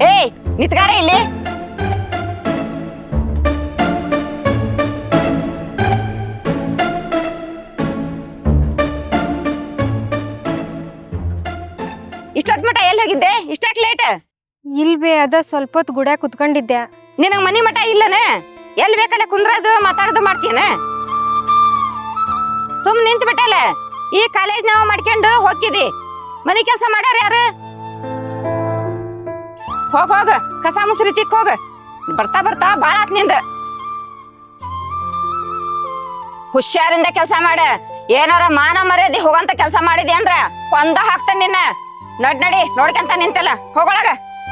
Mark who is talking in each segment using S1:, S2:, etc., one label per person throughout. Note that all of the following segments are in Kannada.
S1: ಏಯ್ ನಿತ್ಗಾರ ಇಲ್ಲಿ. ಇಷ್ಟೊತ್ ಮಟ ಎಲ್ಲಿ ಹೋಗಿದ್ದೆ? ಇಷ್ಟಾಕ್ ಲೇಟ್?
S2: ಇಲ್ವೇ ಅದ ಸ್ವಲ್ಪ ಹೊತ್ತು ಗುಡ್ಯಾಗ ಕುತ್ಕೊಂಡಿದ್ದೆ.
S1: ನಿನಗ್ ಮನಿ ಮಠ ಇಲ್ಲನ? ಎಲ್ಲಿ ಬೇಕಲ್ಲ ಕುಂದ್ರದು ಮಾತಾಡೋದು ಮಾಡ್ತೀನ? ಸುಮ್ ನಿಂತು ಬಿಟ್ಟಲ್ಲ. ಈ ಕಾಲೇಜ್ ನಾವು ಮಾಡ್ಕೊಂಡು ಹೋಗಿದಿ. ಮನಿ ಕೆಲಸ ಮಾಡ್ಯಾರ ಯಾರು? ಹೋಗ ಕಸ ಮುಸ್ರಿ ತಿಕ್ ಹೋಗ. ಬರ್ತಾ ಬರ್ತಾ ಬಾಳ ಆತ್ ನಿಂದ. ಹುಷಾರಿಂದ ಕೆಲಸ ಮಾಡ. ಏನಾರ ಮಾನ ಮರ್ಯಾದೆ ಹೋಗಂತ ಕೆಲಸ ಮಾಡಿದೆ ಅಂದ್ರ ಕೊಂದ ಹಾಕ್ತಾನ ನಿನ್ನ. ನಡಿ ನೋಡ್ಕೊಂತ ನಿಂತಲ್ಲ, ಹೋಗೊಳಗ.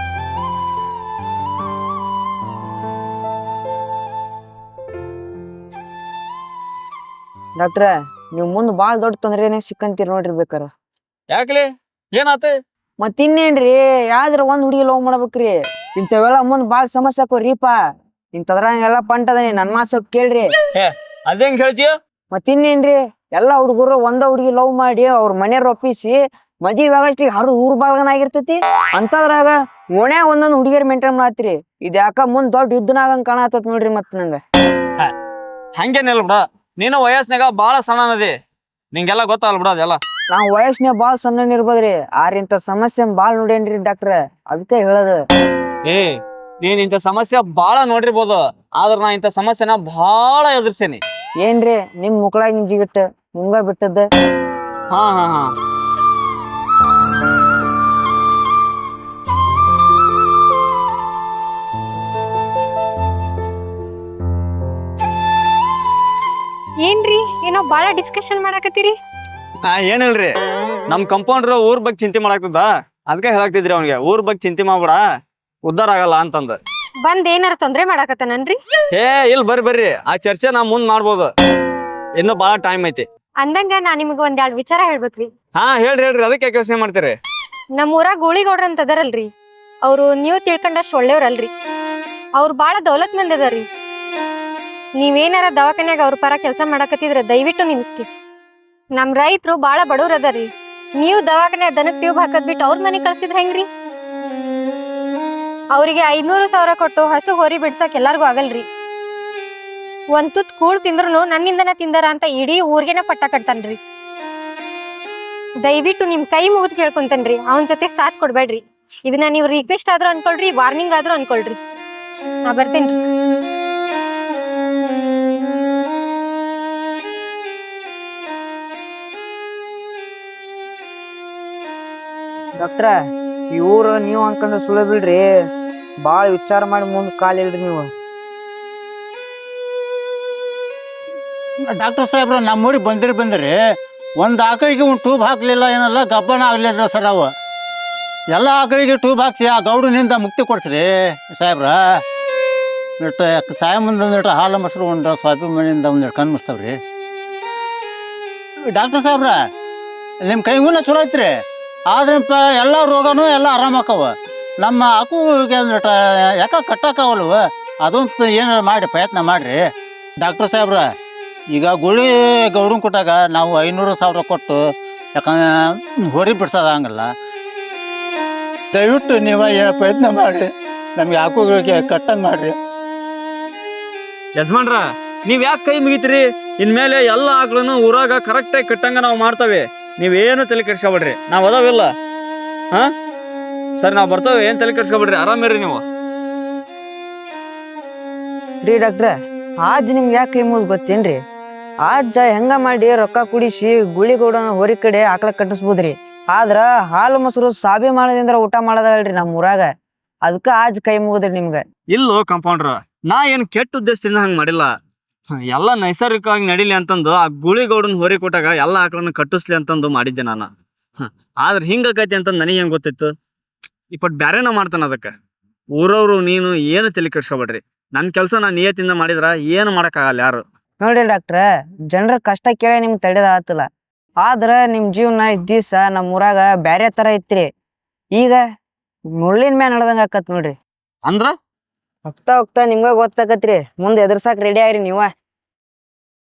S3: ಡಾಕ್ಟ್ರ, ನೀವ್ ಮುಂದ್ ಬಾಳ್ ದೊಡ್ಡ ತೊಂದ್ರೆನೆ ಸಿಕ್ಕಂತೀರಿ ನೋಡ್ರಿ ಬೇಕಾರ.
S4: ಯಾಕಲಿ ಏನಾತ?
S3: ಮತ್ತಿನ್ನೇನ್ರಿ, ಯಾವ್ದ್ರ ಒಂದ್ ಹುಡುಗಿ ಲವ್ ಮಾಡ್ಬೇಕ್ರಿ. ಇಂಥವೆಲ್ಲ ಮುಂದ್ ಬಾಳ್ ಸಮಸ್ಯೆ ಆಕೋರಿಪ್ಪ. ಇಂಥದ್ರಾಗೆಲ್ಲ ಪಂಟದನಿ ನನ್ ಮಾತ್ ಸ್ವಲ್ಪ ಕೇಳ್ರಿ.
S4: ಅದೇಂಗ್ ಹೇಳ್ತೀಯ?
S3: ಮತ್ತಿನ್ನೇನ್ರಿ, ಎಲ್ಲಾ ಹುಡುಗರು ಒಂದ ಹುಡುಗಿ ಲವ್ ಮಾಡಿ ಅವ್ರ ಮನೆಯವ್ರ ಒಪ್ಪಿಸಿ ಮದ್ವಿ ಆಗಷ್ಟಿಗೆ ಹರಿದು ಊರ್ ಬಾಳ್ಗನ ಆಗಿರ್ತೈತಿ. ಅಂತದ್ರಾಗ ಓಣ್ಯಾಗ ಒಂದೊಂದ್ ಹುಡುಗಿಯರ್ ಮೇಂಟೈನ್ ಮಾಡತ್ರಿ. ಇದ್ ಯಾಕ ಮುಂದ್ ದೊಡ್ಡ ಯುದ್ಧನಾಗಂಗ್ ಕಾಣತತ್ ನೋಡ್ರಿ. ಮತ್ ನಂಗ
S4: ಹಂಗೇನಿಲ್ಲ ಬಿಡ, ನೀನು ವಯಸ್ಸಿನಾಗ ಬಾಳ ಸಣ್ಣನದಿ, ನಿಂಗೆಲ್ಲ ಗೊತ್ತಾಗಲ್ಲ ಬಿಡ ಅದೆಲ್ಲ.
S3: ನಾವ್ ವಯಸ್ಸಿನಾಗ ಬಾಳ್ ಸಣ್ಣ ಇರ್ಬೋದ್ರಿ, ಆರ್ ಇಂಥ ಸಮಸ್ಯೆ ಬಾಳ್ ನೋಡೇನ್ರಿ ಡಾಕ್ಟ್ರ. ಅದಕ್ಕೆ ಹೇಳೋದು.
S4: ನೀನ್ ಇಂಥ ಸಮಸ್ಯೆ ಬಾಳ ನೋಡಿರ್ಬೋದು, ಆದ್ರ ನಾ ಇಂಥ ಸಮಸ್ಯೆನ ಬಾಳ ಎದುರ್ಸೇನಿ.
S3: ಏನ್ರಿ ನಿಮ್ ಮುಕ್ಳಾಗ ಜಿಗಿಟ್ಟ ಮುಂಗ ಬಿಟ್ಟದ್ದ?
S4: ಹಾ ಹಾ ಹಾ
S2: ಏನ್ರಿ ಏನೋ ಬಾಳ ಡಿಸ್ಕಷನ್ ಮಾಡಾಕತ್ತೀರಿ?
S4: ಏನಿಲ್ರಿ, ನಮ್ ಕಂಪೌಂಡ್ರ್ ಊರ್ ಬಗ್ಗೆ ಚಿಂತೆ ಮಾಡಾಕ್ತದ, ಅದಕ್ಕೆ ಹೇಳಾಕ್ತಿದ್ರಿ ಅವ್ನಿಗೆ ಊರ್ ಬಗ್ಗೆ ಚಿಂತೆ ಮಾಡ್ಬೇಡ, ಉದ್ದಾರ ಆಗಲ್ಲ ಅಂತಂದ.
S2: ಬಂದ್ ಏನಾರ ತೊಂದ್ರೆ ಮಾಡಾಕತ್ತಾನನ್ರಿ?
S4: ಇಲ್ ಬರ್ರಿ, ಆ ಚರ್ಚೆ ನಾ ಮುಂದ್ ಮಾಡ್ಬೋದು, ಇನ್ನು ಬಾಳ ಟೈಮ್ ಐತಿ.
S2: ಅಂದಂಗ ನಾ ನಿಮ್ಗ ಒಂದ್ ವಿಚಾರ ಹೇಳ್ಬೇಕ್ರಿ.
S4: ಹಾ ಹೇಳ್ರಿ, ಅದಕ್ಕೆ ಯೋಚನೆ ಮಾಡ್ತೀರಿ?
S2: ನಮ್ ಊರಾಗ ಗೂಳಿಗೌಡ್ರ ಅಂತ ಅದಾರಲ್ರಿ, ಅವ್ರು ನೀವು ತಿಳ್ಕೊಂಡಷ್ಟು ಒಳ್ಳೆಯವ್ರಲ್ರಿ. ಅವ್ರು ಬಾಳ ದೌಲತ್ ಮಂದಿ ಅದಾರ್ರಿ. ನೀವೇನಾರ ದವಾಖಾನ್ಯಾಗ ಅವ್ರ ಪರ ಕೆಲಸ ಮಾಡಾಕತ್ತಿದ್ರ ದಯವಿಟ್ಟು ನಿಲ್ಸ್ರಿ. ನಮ್ ರೈತರು ಬಾಳ ಬಡವ್ರ ಅದಾರ್ರಿ. ನೀವು ದವಾಖಾನ್ಯಾಗ ದನಕ್ ಟ್ಯೂಬ್ ಹಾಕದ್ ಬಿಟ್ಟು ಅವ್ರ ಮನೆ ಕಳ್ಸಿದ್ರ ಹೆಂಗ್ರಿ? ಅವ್ರಿಗೆ 500,000 ಕೊಟ್ಟು ಹಸು ಹೋರಿ ಬಿಡ್ಸಕ್ ಎಲ್ಲಾರ್ಗು ಆಗಲ್ರಿ. ಒಂದ್ ತುತ್ ಕೂಳ್ ತಿಂದ್ರು ನನ್ನಿಂದನ ತಿಂದಾರ ಅಂತ ಇಡೀ ಊರ್ಗೆನ ಪಟ್ಟ ಕಟ್ತಾನ್ರಿ. ದಯವಿಟ್ಟು ನಿಮ್ ಕೈ ಮುಗಿದ್ ಕೇಳ್ಕೊಂತೇನ್ರಿ, ಅವನ್ ಜೊತೆ ಸಾಥ್ ಕೊಡ್ಬೇಡ್ರಿ. ಇದನ್ನ ನೀವು ರಿಕ್ವೆಸ್ಟ್ ಆದ್ರೂ ಅನ್ಕೊಳ್ರಿ, ವಾರ್ನಿಂಗ್ ಆದ್ರೂ ಅನ್ಕೊಳ್ರಿ. ನಾ ಬರ್ತೇನ್ರಿ.
S3: ಡಾಕ್ಟ್ರ, ಇವ್ರು ನೀವು ಅನ್ಕೊಂಡ್ರೆ ಸುಳ್ಳು ಬಿಡ್ರಿ. ಬಾಳ ವಿಚಾರ ಮಾಡಿ ಮುಂದ್ ಕಾಲಿಲ್ರಿ ನೀವು.
S5: ಡಾಕ್ಟರ್ ಸಾಹೇಬ್ರ ನಮ್ಮೂರಿಗೆ ಬಂದ್ರಿ ಒಂದು ಆಕಳಿಗೆ ಒಂದು ಟ್ಯೂಬ್ ಹಾಕಲಿಲ್ಲ, ಏನಲ್ಲ ಗಬ್ಬನ ಆಗಲಿಲ್ಲ ಸರ್. ಅವು ಎಲ್ಲ ಆಕಳಿಗೆ ಟ್ಯೂಬ್ ಹಾಕ್ಸಿ ಆ ಗೌಡನಿಂದ ಮುಕ್ತಿ ಕೊಡ್ಸ್ರಿ ಸಾಹೇಬ್ರ. ಇಟ್ಟು ಸಾಯ ಮುಂದೆ ಒಂದಿಟ್ಟು ಹಾಲು ಮೊಸರು ಉಂಡ್ರ ಸ್ವಾಪಿ ಮನೆಯಿಂದ ಒಂದಿಟ್ಟು ಕಣ್ಣು ಮುಚ್ತಾವ್ರಿ. ಡಾಕ್ಟರ್ ಸಾಹೇಬ್ರ ನಿಮ್ಮ ಕೈಗೂನ ಚಲೋ ಐತ್ರಿ, ಆದ್ರಪ್ಪ ಎಲ್ಲ ರೋಗನೂ ಎಲ್ಲ ಆರಾಮಾಕವ. ನಮ್ಮ ಆಕುಗೆ ಅಂದ್ಬಿಟ್ಟು ಯಾಕೆ ಕಟ್ಟಾಕವಲ್ವ, ಅದೊಂದು ಏನಾರು ಮಾಡಿ ಪ್ರಯತ್ನ ಮಾಡಿರಿ ಡಾಕ್ಟರ್ ಸಾಹೇಬ್ರ. ಈಗ ಗುಳಿ ಗೌಡನ್ ಕೊಟ್ಟಾಗ ನಾವು 500,000 ಕೊಟ್ಟು ಯಾಕಂದ್ರೆ ಹೊರಿ ಬಿಡ್ಸೋದಂಗಲ್ಲ. ದಯವಿಟ್ಟು ನೀವು ಪ್ರಯತ್ನ ಮಾಡಿ ನಮ್ಗೆ ಆಕುಗಳಿಗೆ ಕಟ್ಟಂಗೆ ಮಾಡಿರಿ.
S4: ಯಜಮಾನ್ರ, ನೀವ್ ಯಾಕೆ ಕೈ ಮುಗಿತೀರಿ? ಇನ್ಮೇಲೆ ಎಲ್ಲ ಆಕಳನ್ನು ಊರಾಗ ಕರೆಕ್ಟಾಗಿ ಕಟ್ಟಂಗ ನಾವು ಮಾಡ್ತೇವೆ, ನೀವೇನು ತಲೆ ಕೆಡ್ಸ್ಕೊಬೇಡ್ರಿ, ನಾವ್ ಅದಾವಿಲ್ಲ. ಹಾ ಸರ್, ನಾವ್ ಬರ್ತೇವೆ, ಏನ್ ತಲೆ ಕೆಡ್ಸ್ಕೊಬೇಡ್ರಿ, ಆರಾಮಿರ್ರಿ ನೀವು.
S3: ರೀ ಡಾಕ್ಟ್ರ, ಆಜ್ ನಿಮ್ಗೆ ಯಾಕೆ ಕೈ ಮುಗಿದ್ ಗೊತ್ತೇನ್ರಿ? ಆಜ್ ಹೆಂಗ ಮಾಡಿ ರೊಕ್ಕ ಕುಡಿಸಿ ಗುಳಿಗೌಡನ ಹೊರಿ ಕಡೆ ಆಕಳ ಕಟ್ಟಿಸ್ಬೋದ್ರಿ. ಆದ್ರ ಹಾಲು ಮೊಸರು ಸಾಬಿ ಮಾಡೋದ್ರಿಂದ ಊಟ ಮಾಡೋದಲ್ರಿ ನಮ್ ಊರಾಗ. ಅದಕ್ಕ ಆಜ್ ಕೈ ಮುಗಿದ್ರಿ ನಿಮ್ಗ.
S4: ಇಲ್ಲೋ ಕಂಪೌಂಡ್ರ, ನಾ ಏನ್ ಕೆಟ್ಟ ಉದ್ದೇಶದಿಂದ ಹಂಗ ಮಾಡಿಲ್ಲ. ಎಲ್ಲ ನೈಸರ್ಗಿಕವಾಗಿ ನಡಿಲಿ ಅಂತಂದು ಆ ಗುಳಿಗೌಡನ್ ಹೊರಿ ಕೊಟ್ಟಾಗ ಎಲ್ಲ ಆಕಳನ್ನ ಕಟ್ಟಿಸ್ಲಿ ಅಂತಂದು ಮಾಡಿದ್ದೆ ನಾನು. ಆದ್ರೆ ಹಿಂಗಾಕೈತಿ ಅಂತ ನನಗೆ ಹೆಂಗ್ ಗೊತ್ತಿತ್ತು? ಇಪ್ಪಟ್ ಬ್ಯಾರೇನ ಮಾಡ್ತಾನ. ಅದಕ್ಕೆ ಊರವ್ರು ನೀನು ಏನು ತಲೆ ಕೆಡ್ಸ್ಕೊಬೇಡ್ರಿ, ನನ್ನ ಕೆಲಸ ನಾನು ನಿಯತ್ತಿಂದ ಮಾಡಿದ್ರ ಏನು ಮಾಡಕ್ಕಾಗಲ್ಲ ಯಾರು.
S3: ನೋಡ್ರಿ ಡಾಕ್ಟ್ರ, ಜನರ ಕಷ್ಟ ಕೇಳಿ ನಿಮ್ಗೆ ತಡೆದ ಆತಲ್ಲ. ಆದ್ರ ನಿಮ್ ಜೀವನ ಇಷ್ಟ್ ದಿವ್ಸ ನಮ್ ಊರಾಗ ಬ್ಯಾರೆ ತರ ಇತ್ರಿ. ಈಗ ಮುಳ್ಳಿನ ಮ್ಯಾಲ ನಡ್ದಂಗ ಆಕತ್ ನೋಡ್ರಿ.
S4: ಅಂದ್ರ
S3: ಹೋಗ್ತಾ ಹೋಗ್ತಾ ನಿಮ್ಗ ಗೊತ್ತಾಕತ್ರಿ, ಮುಂದೆ ಎದುರ್ಸಾಕ್ ರೆಡಿ ಆಗ್ರಿ ನೀವ.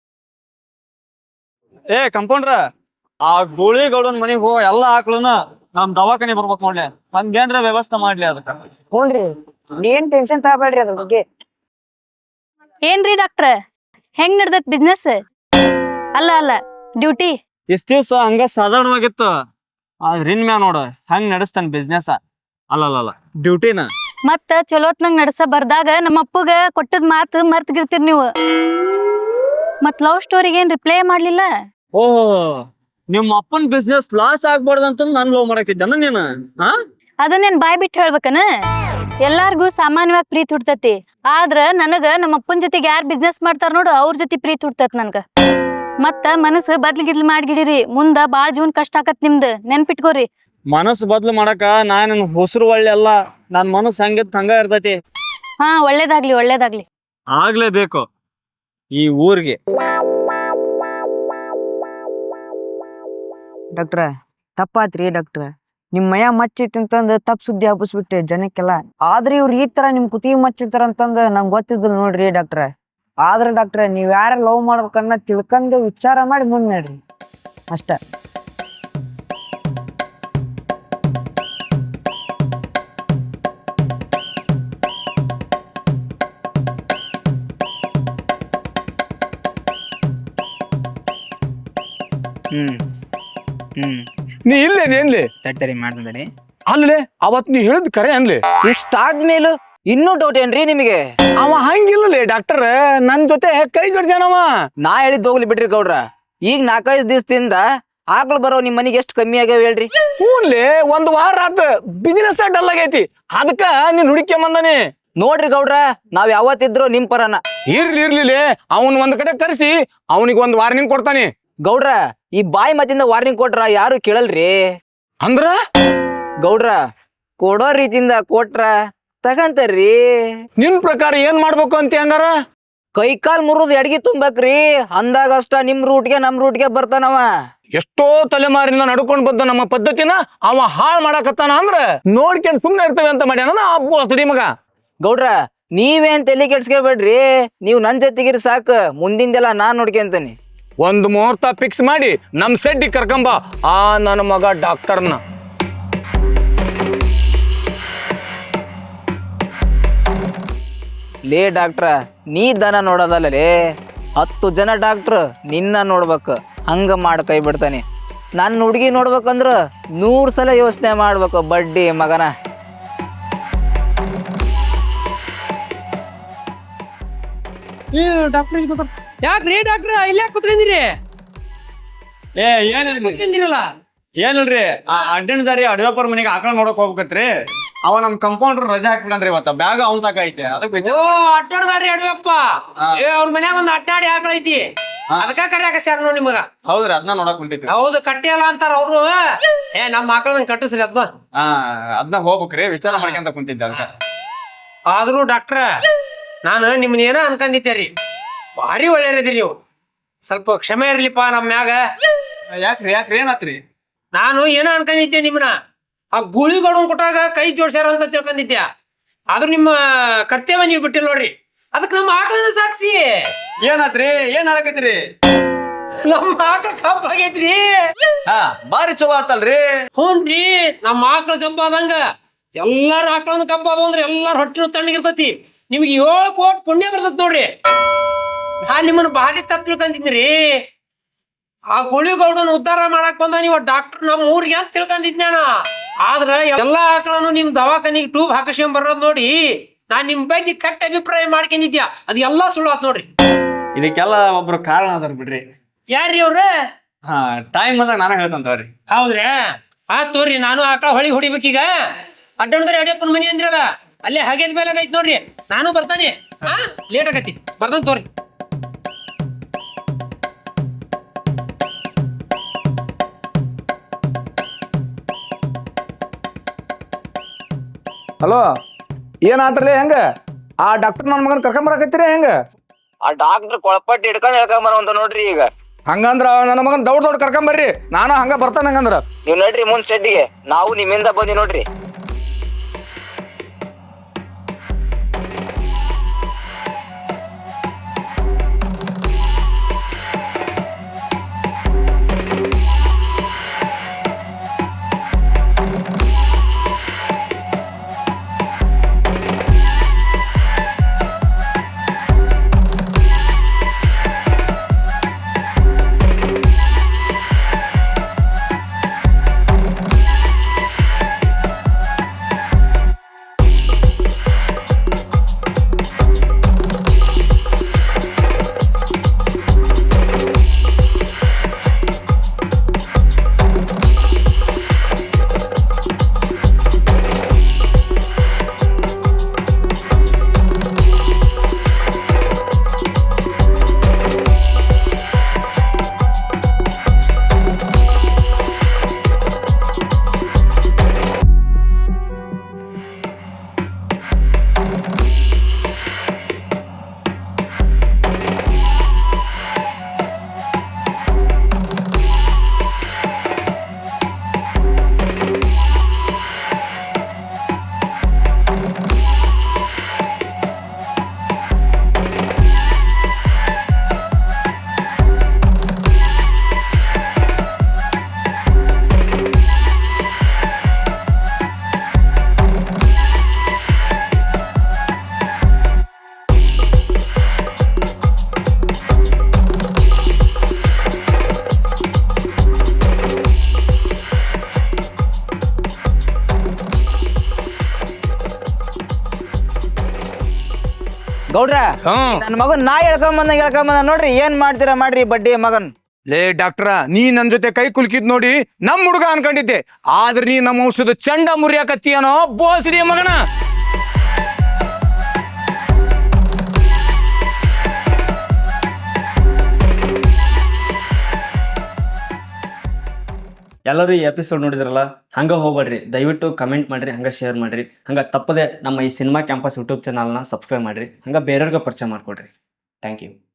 S4: ಕಂಪೌಂಡ್ರ, ಆ ಗುಳಿಗೌಡನ್ ಮನೆಗೆ ಎಲ್ಲ ಆಕಳನ್ನ ನಮ್ ದವಾಖಾನೆ ಬರ್ಬೇಕು ನೋಡ್ಲಿ, ಹಂಗೇನ್ರ ವ್ಯವಸ್ಥೆ ಮಾಡ್ಲಿ ಅದಕ್ಕ.
S3: ಹ್ಞೂನ್ರಿ, ನೀನ್ ಟೆನ್ಷನ್ ತಗೋಬೇಡ್ರಿ ಅದ್ರ ಬಗ್ಗೆ.
S6: ಏನ್ರಿ ಡಾಕ್ಟ್ರ ಹೆಂಗ್ ನಡ್ದತ್ ಬಿಸ್ನೆಸ್? ಅಲ್ಲ ಡ್ಯೂಟಿ
S4: ಇಷ್ಟ ದಿವ್ಸ ಹಂಗ ಸಾಧಾರಣವಾಗಿತ್ತು, ಆದ್ರ ಇನ್ಮ್ಯಾ ನೋಡ ಹಂಗ್ ನಡೆಸ್ತಾನ ಬಿಸ್ನೆಸ್. ಅಲ್ಲಲ್ಲ ಡ್ಯೂಟಿನ.
S6: ಮತ್ತ ಚಲೋತ್ನಂಗ್ ನಡ್ಸ ಬರ್ದಾಗ ನಮ್ಮ ಅಪ್ಪಗ ಕೊಟ್ಟದ್ ಮಾತು ಮರ್ತ್ ಗಿರ್ತೀರಿ ನೀವು. ಮತ್ ಲವ್ ಸ್ಟೋರಿಗೆ ಏನ್ ರಿಪ್ಲೈ ಮಾಡ್ಲಿಲ್ಲ?
S4: ಓಹೋ, ನಿಮ್ ಅಪ್ಪನ್ ಬಿಸ್ನೆಸ್ ಲಾಸ್ ಆಗ್ಬಾರ್ದಂತ ನನ್ ಲವ್ ಮಾಡಾಕಿದ್ದಾನ ನೀನು? ಹಾ,
S6: ಅದನ್ನೇನ್ ಬಾಯ್ ಬಿಟ್ಟು ಹೇಳ್ಬೇಕನ? ಎಲ್ಲಾರ್ಗು ಸಾಮಾನ್ಯವಾಗಿ ಪ್ರೀತಿ ಹುಡ್ತತಿ, ಆದ್ರ ನನಗ ನಮ್ಮ ಅಪ್ಪನ ಜೊತೆಗೆ ಯಾರ್ ಬಿಸ್ನೆಸ್ ಮಾಡ್ತಾರ ನೋಡು ಅವ್ರ ಜೊತೆ ಪ್ರೀತಿ ಹುಡ್ತತ್ ನನ್ಗ. ಮತ್ತ ಮನಸ್ಸು ಬದ್ಲಿಗಿದ್ಲಿ ಮಾಡ್ಗಿಡಿರಿ, ಮುಂದ ಬಾಳ್ ಜೀವನ್ ಕಷ್ಟ ಆಕತ್ ನಿಮ್ದು, ನೆನ್ಪಿಟ್ಕೋರಿ.
S4: ಮನಸ್ಸು ಬದ್ಲು ಮಾಡಾಕ ನನ್ ಹೊಸರು ಒಳ್ಳೆ ಅಲ್ಲ, ನನ್ ಮನಸ್ಸು ಹಂಗಿತ್ ಹಂಗ ಇರ್ತೈತಿ.
S6: ಹಾ, ಒಳ್ಳೇದಾಗ್ಲಿ.
S4: ಆಗ್ಲೇಬೇಕು ಈ ಊರ್ಗೆ.
S3: ಡಾಕ್ಟ್ರ ತಪ್ಪಾತ್ರಿ ಡಾಕ್ಟ್ರ, ನಿಮ್ ಮಯ ಮಚ್ಚಿತ್ ಅಂತಂದ್ ತಪ್ಪ ಸುದ್ದಿ ಹಬ್ಬಿಸ್ಬಿಟ್ಟೆ ಜನಕ್ಕೆಲ್ಲ. ಆದ್ರೆ ಇವ್ರು ಈ ತರ ನಿಮ್ ಕುತ್ತಿಗೆ ಮಚ್ಚಿರ್ತಾರ ಅಂತಂದ್ ನಂಗೆ ಗೊತ್ತಿದ್ರು ನೋಡ್ರಿ ಡಾಕ್ಟ್ರ. ಆದ್ರೆ ಡಾಕ್ಟ್ರ ನೀವ್ ಯಾರ ಲವ್ ಮಾಡ್ಬೇಕನ್ನ ತಿಳ್ಕೊಂಡು ವಿಚಾರ ಮಾಡಿ ಮುಂದ್ ನಡ್ರಿ ಅಷ್ಟ.
S7: ನೀ ಇಲ್ಲೇ ಏನ್ಲಿ
S8: ತಡಿ ಮಾಡ್ತಡಿ.
S7: ಅಲ್ಲೇ ಅವತ್ ನೀ ಹೇಳಿದ್ ಕರೆ ಅನ್ಲಿ.
S8: ಇಷ್ಟಾದ್ಮೇಲೂ ಇನ್ನೂ ಡೌಟ್ ಏನ್ರಿ ನಿಮಗೆ?
S7: ಅವ ಹಂಗಿಲ್ಲಲೇ ಡಾಕ್ಟರ್, ನನ್ ಜೊತೆ ಕೈ ಜೋಡ್ಸ್ಯಾನವ.
S8: ನಾ ಹೇಳಿದ್ ಹೋಗ್ಲಿ ಬಿಡ್ರಿ ಗೌಡ್ರ, ಈಗ 4-5 ದಿವಸದಿಂದ ಆಕಳು ಬರೋ ನಿಮ್ ಮನಿಗೆ ಎಷ್ಟು ಕಮ್ಮಿ ಆಗ್ಯಾವ ಹೇಳ್ರಿ?
S7: ಹ್ಞೂನ್ಲಿ, 1 ವಾರ ಆತ ಬಿಸಿನೆಸ್ ಡಲ್ ಆಗೈತಿ, ಅದಕ್ಕ ನೀನ್ ಹುಡುಕ್ಯ ಬಂದಾನೆ.
S8: ನೋಡ್ರಿ ಗೌಡ್ರ, ನಾವ್ ಯಾವತ್ತಿದ್ರು ನಿಮ್ ಪರನ.
S7: ಇರ್ಲಿರ್ಲಿಲೆ, ಅವನ್ ಒಂದ್ ಕಡೆ ಕರ್ಸಿ ಅವನಿಗೆ 1 ವಾರ್ನಿಂಗ್ ಕೊಡ್ತಾನೆ.
S8: ಗೌಡ್ರ, ಈ ಬಾಯಿ ಮತ್ತಿಂದ ವಾರ್ನಿಂಗ್ ಕೊಟ್ರ ಯಾರು ಕೇಳಲ್ರಿ.
S7: ಅಂದ್ರ
S8: ಗೌಡ್ರ, ಕೊಡೋ ರೀತಿಯಿಂದ ಕೊಟ್ರ ತಗಂತಾರ್ರಿ.
S7: ನಿನ್ ಪ್ರಕಾರ ಏನ್ ಮಾಡ್ಬೇಕು ಅಂತ ಹಂಗಾರ?
S8: ಕೈ ಕಾಲ್ ಮುರಿದ್ ಎಡ್ಗಿ ತುಂಬಕ್ರಿ, ಅಂದಾಗ ಅಷ್ಟ ನಿಮ್ ರೂಟ್ಗೆ ನಮ್ ರೂಟ್ಗೆ ಬರ್ತಾನವ.
S7: ಎಷ್ಟೋ ತಲೆಮಾರಿನ ನಡ್ಕೊಂಡ್ ಬಂದ ನಮ್ಮ ಪದ್ಧತಿನ ಅವ ಹಾಳ್ ಮಾಡಾಕತ್ತಾನ ಅಂದ್ರ ನೋಡ್ಕೊಂಡ್ ಸುಮ್ನೆ ಇರ್ತೇವೆ ಅಂತ ಮಾಡ್ಯಾನ ಅಬ್ಬು ಅಸಡಿ ಮಗ.
S8: ಗೌಡ್ರ, ನೀವೇನ್ ತಲೆ ಕೆಡ್ಸ್ಕೊಬೇಡ್ರಿ, ನೀವ್ ನನ್ ಜೊತೆಗಿರಿ ಸಾಕ, ಮುಂದಿಂದೆಲ್ಲ ನಾನ್ ನೋಡ್ಕೊಂತೀನಿ.
S7: ಒಂದ್ ಮುಹೂರ್ತ ಫಿಕ್ಸ್ ಮಾಡಿ ನಮ್ ಸೆಡ್ಡಿ ಕರ್ಕೊಂಬ ಆ ನನ್ನ ಮಗ ಡಾಕ್ಟರ್ನ.
S8: ಲೇ ಡಾಕ್ಟ್ರ, ನೀ ದನ ನೋಡೋದಲ್ಲೇ 10 ಜನ ಡಾಕ್ಟ್ರ್ ನಿನ್ನ ನೋಡ್ಬೇಕು, ಹಂಗ ಮಾಡ್ ಕೈ ಬಿಡ್ತಾನೆ. ನನ್ನ ಹುಡುಗಿ ನೋಡ್ಬೇಕಂದ್ರ 100 ಸಲ ಯೋಚನೆ ಮಾಡ್ಬೇಕು ಬಡ್ಡಿ ಮಗನ.
S9: ಯಾಕ್ರಿ ಡಾಕ್ಟ್ರ ಇಲ್ಲೇ ಕುತ್ಕೊಂಡಿರಿ?
S4: ಏನಿಲ್ರಿ, ಆ ಅಡ್ಡಣದಾರಿ ಅಡವೇಪರ್ ಮನೆಗೆ ಆಕಳ ನೋಡಕ್ ಹೋಗ್ಬೇಕತ್ರಿ. ಅವ ನಮ್ ಕಂಪೌಂಡರ್ ರಜಾ ಹಾಕ್ಬಿಡನ್ರಿ ಇವತ್ತ, ಬ್ಯಾಗ ಅವನ್ ತಕ ಐತೆ. ಅದಕ್ಕೆ
S9: ಅಡ್ಡಾಡ್ದಾರಿ ಅಡವಪ್ಪ, ಅವ್ರ ಮನ್ಯಾಗ ಒಂದ್ ಅಡ್ಡಾಡಿ ಆಕಳೈತಿ, ಅದಕ್ಕ ಕರ್ಯಾಕಸ್ಯಾರ ನೋಡಿ ನಿಮಗ.
S4: ಹೌದ್ರಿ, ಅದನ್ನ ನೋಡಕ್ ಹೊಂಟಿದ್ವಿ.
S9: ಹೌದು, ಕಟ್ಟಿ ಅಲ್ಲ ಅಂತಾರ ಅವ್ರು. ನಮ್ಮ ಆಕಳದಂಗ್ ಕಟ್ಟಿಸ್ರಿ ಅದ್ನ.
S4: ಅದನ್ನ ಹೋಗ್ಬೇಕ್ರಿ, ವಿಚಾರ ಮಾಡ್ಕೊಂತ ಕುಂತಿದ್ದೆ ಅದಕ್ಕ.
S9: ಆದ್ರೂ ಡಾಕ್ಟ್ರ, ನಾನು ನಿಮ್ನ ಏನ ಅನ್ಕೊಂಡಿದ್ದೇರಿ, ಭಾರಿ ಒಳ್ಳೆಯದಿರಿ ನೀವು. ಸ್ವಲ್ಪ ಕ್ಷಮೆ ಇರ್ಲಿಪ್ಪ ನಮ್ಮ ಮ್ಯಾಗ.
S4: ಯಾಕ್ರಿ ಏನಾತ್ರಿ?
S9: ನಾನು ಏನ ಅನ್ಕೊಂಡಿದ್ದೆ ನಿಮ್ನ, ಆ ಗುಳಿಗಡನ್ ಕೊಟ್ಟಾಗ ಕೈ ಜೋಡ್ಸ್ಯಾರ ಅಂತ ತಿಳ್ಕೊಂಡಿದ್ದೆ. ಆದ್ರೂ ನಿಮ್ಮ ಕರ್ತವ್ಯ ನೀವು ಬಿಟ್ಟಿಲ್ಲ ನೋಡ್ರಿ, ಅದಕ್ಕೆ ನಮ್ಮ ಆಕಳನ್ನ ಸಾಕ್ಷಿ.
S4: ಏನಾತ್ರಿ? ಏನ್ ಹೇಳಕತ್ತೀರಿ?
S9: ನಮ್ಮ ಆಕಳ ಕಬ್ಬ ಆಗೈತ್ರಿ.
S4: ಬಾರಿ ಚಲೋ ಆತಲ್ರಿ.
S9: ಹ್ಞೂನ್ರಿ, ನಮ್ಮ ಆಕಳ ಕಬ್ಬ ಆದಂಗ ಎಲ್ಲಾರ ಆಕಳನ್ನ ಕಬ್ಬ ಆದವು ಅಂದ್ರೆ ಎಲ್ಲಾರ ಹೊಟ್ಟಿನ ತಣ್ಣಗಿರ್ತತಿ. ನಿಮ್ಗೆ 7 ಕೋಟಿ ಪುಣ್ಯ ಬರ್ತೈತಿ ನೋಡ್ರಿ. ನಾನ್ ನಿಮ್ಮನ್ನ ಭಾರಿ ತಪ್ಪು ತಿಳ್ಕೊಂಡಿದ್ರಿ. ಆ ಗುಳಿಗೌಡನ ಉದ್ಧಾರ ಮಾಡಕ್ ಬಂದ ನೀವು ಡಾಕ್ಟರ್ ನಮ್ಮ ಊರಿಗೆ ಅಂತ ತಿಳ್ಕೊಂಡಿದ್ನಾನ. ಆದ್ರ ಎಲ್ಲಾ ಆಕಳನ್ನು ನಿಮ್ ದವಾಖಾನಿಗೆ ಟ್ಯೂಬ್ ಹಾಕಿಸ್ಕೊಂಡ್ ಬರೋದ್ ನೋಡಿ ನಾನ್ ನಿಮ್ ಬಗ್ಗೆ ಕೆಟ್ಟ ಅಭಿಪ್ರಾಯ ಮಾಡ್ಕೊಂಡಿದ್ಯಾ, ಅದು ಎಲ್ಲಾ ಸುಳ್ಳು ಆತ್ ನೋಡ್ರಿ.
S4: ಇದಕ್ಕೆಲ್ಲ ಒಬ್ರು ಕಾರಣ ಅದಾರ ಬಿಡ್ರಿ.
S9: ಯಾರ್ರಿ ಅವ್ರ?
S4: ಟೈಮ್ ಅಂದಾಗ ನಾನು ಹೇಳ್ತಂತವ್ರಿ.
S9: ಹೌದ್ರಿ, ಆತ್ ತೋರಿ, ನಾನು ಆಕಳ ಹೊಳಿ ಹೊಡಿಬೇಕೀಗ. ಅಡ್ಡಾಡಿದ್ರೆ ಅಡಿಯಪ್ಪನ ಮನಿ ಅಂದ್ರಲ್ಲ, ಅಲ್ಲೇ ಹಾಗೇದ್ ಮೇಲೆ ಐತ್ ನೋಡ್ರಿ, ನಾನು ಬರ್ತಾನೆ. ಲೇಟ್ ಆಗತಿ, ಬರ್ತಾನೆ ತೋರಿ.
S7: ಹಲೋ, ಏನಾತ್ರಲ್ಲ ಹೆಂಗ? ಆ ಡಾಕ್ಟರ್ ನನ್ನ ಮಗನ್ ಕರ್ಕೊಂಬರಕತ್ತೀರಿ ಹೆಂಗ?
S8: ಆ ಡಾಕ್ಟರ್ ಕೊಳಪಟ್ಟಿ ಹಿಡ್ಕೊಂಡ್ ಹೇಳ್ಕೊಂಬರ ನೋಡ್ರಿ. ಈಗ
S7: ಹಂಗಂದ್ರ ನನ್ನ ಮಗನ್ ದೌಡ್ ಕರ್ಕೊಂಬರ್ರಿ, ನಾನು ಹಂಗ ಬರ್ತಾನೆ. ಹಂಗಂದ್ರ
S8: ನೀವ್ ನೋಡ್ರಿ ಮುಂದ್ ಸೆಡ್ಡಿಗೆ, ನಾವು ನಿಮ್ಮಿಂದ ಬಂದಿ ನೋಡ್ರಿ. ಗೌಡ್ರ
S7: ಹ್ಮ್
S8: ನನ್ನ ಮಗನ್ ನಾ ಹೇಳ್ಕೊಂಬಂದ ನೋಡ್ರಿ ಏನ್ ಮಾಡ್ತೀರಾ ಮಾಡ್ರಿ ಬಡ್ಡಿ ಮಗನ್.
S7: ಲೇ ಡಾಕ್ಟ್ರ ನೀ ನನ್ ಜೊತೆ ಕೈ ಕುಲ್ಕಿದ್ ನೋಡಿ ನಮ್ ಹುಡುಗ ಅನ್ಕೊಂಡಿದ್ದೆ, ಆದ್ರೆ ನೀ ನಮ್ಮ ಔಷಧ ಚಂಡ ಮುರಿಯಾಕತ್ತೀಯನೋ ಬೋಸ್ರಿ ಮಗನ.
S4: ಎಲ್ಲರೂ ಈ ಎಪಿಸೋಡ್ ನೋಡಿದ್ರಲ್ಲ, ಹಂಗೆ ಹೋಗ್ಬೇಡ್ರಿ, ದಯವಿಟ್ಟು ಕಮೆಂಟ್ ಮಾಡಿರಿ, ಹಂಗೆ ಶೇರ್ ಮಾಡಿರಿ, ಹಂಗೆ ತಪ್ಪದೆ ನಮ್ಮ ಈ ಸಿನಿಮಾ ಕ್ಯಾಂಪಸ್ ಯೂಟ್ಯೂಬ್ ಚಾನಲ್ನ ಸಬ್ಸ್ಕ್ರೈಬ್ ಮಾಡಿರಿ, ಹಂಗೆ ಬೇರೆಯವ್ರಿಗೆ ಪರಿಚಯ ಮಾಡಿಕೊಡ್ರಿ. Thank you.